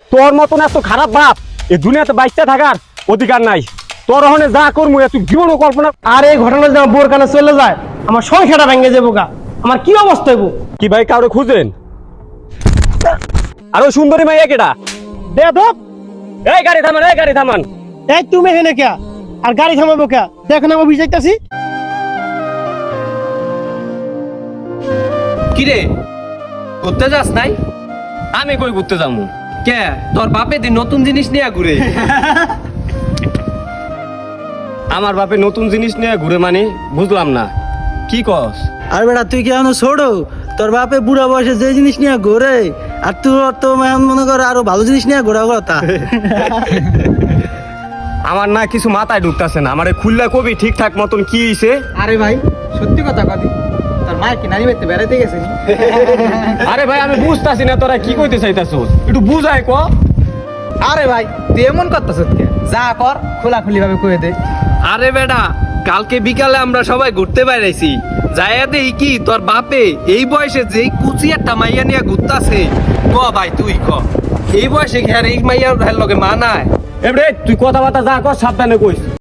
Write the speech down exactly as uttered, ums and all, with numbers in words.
তোর মতন এত খারাপ বাপ এই দুনিয়াতে বাইচা থাকার অধিকার নাই। তোর ওখানে যা করবো তুই জীবনও কল্পনা। আর এই ঘটনা যদি আমার বোর কানে চলে যায়, আমার সংসারটা ভেঙে যাবো গা। আমার কি অবস্থা হইব? কি ভাই কারো খুঁজেন? আরো সুন্দরী মাইয়া কেডা? বেয়াদব! এই গাড়ি থামান, এই গাড়ি থামান। এই তুমি হেনে কে? আর গাড়ি থামাবো কে? দেখো না আমি অফিস যাইতাছি। কিরে ঘুরতে যাস নাই? আমি কই ঘুরতে যাবো? কে তোর বাপে দিন নতুন জিনিস নিয়ে ঘুরে? আমার বাপে নতুন জিনিস নিয়ে ঘুরে মানে বুঝলাম না কি কস? আর বেটা তুই কি এখনো ছোট? তোর বাপে বুড়া বয়সে যে জিনিস নিয়ে ঘোরে, আর তোর তো এখন মনে কর আরো ভালো জিনিস নিয়ে ঘোরা কথা। আমার না কিছু মাথায় ঢুকতাছে না। আমারে খুললা কবি ঠিকঠাক মতন কি হইছে? আরে ভাই সত্যি কথা কদি, তোর মায়ের কি নানি বাড়িতে বেড়াইতে গেছে নি? আরে ভাই আমি বুঝতাছি না তোরা কি কইতে চাইতাছস, একটু বুঝাই ক। আরে ভাই তুই এমন করতেছ কে? যা কর খোলাখুলি ভাবে কয়ে দে। আরে বেটা কালকে বিকালে আমরা সবাই ঘুরতে বেড়াইছি, যাইয়া দেখি কি তোর বাপে এই বয়সে যেই কুচি একটা মাইয়া নিয়ে ঘুরতাছে। ক ভাই তুই ক, এই বয়সে ঘের এই মাইয়ার লগে মানায়? এবারে তুই কথাবার্তা যা কর সাবধানে কইস।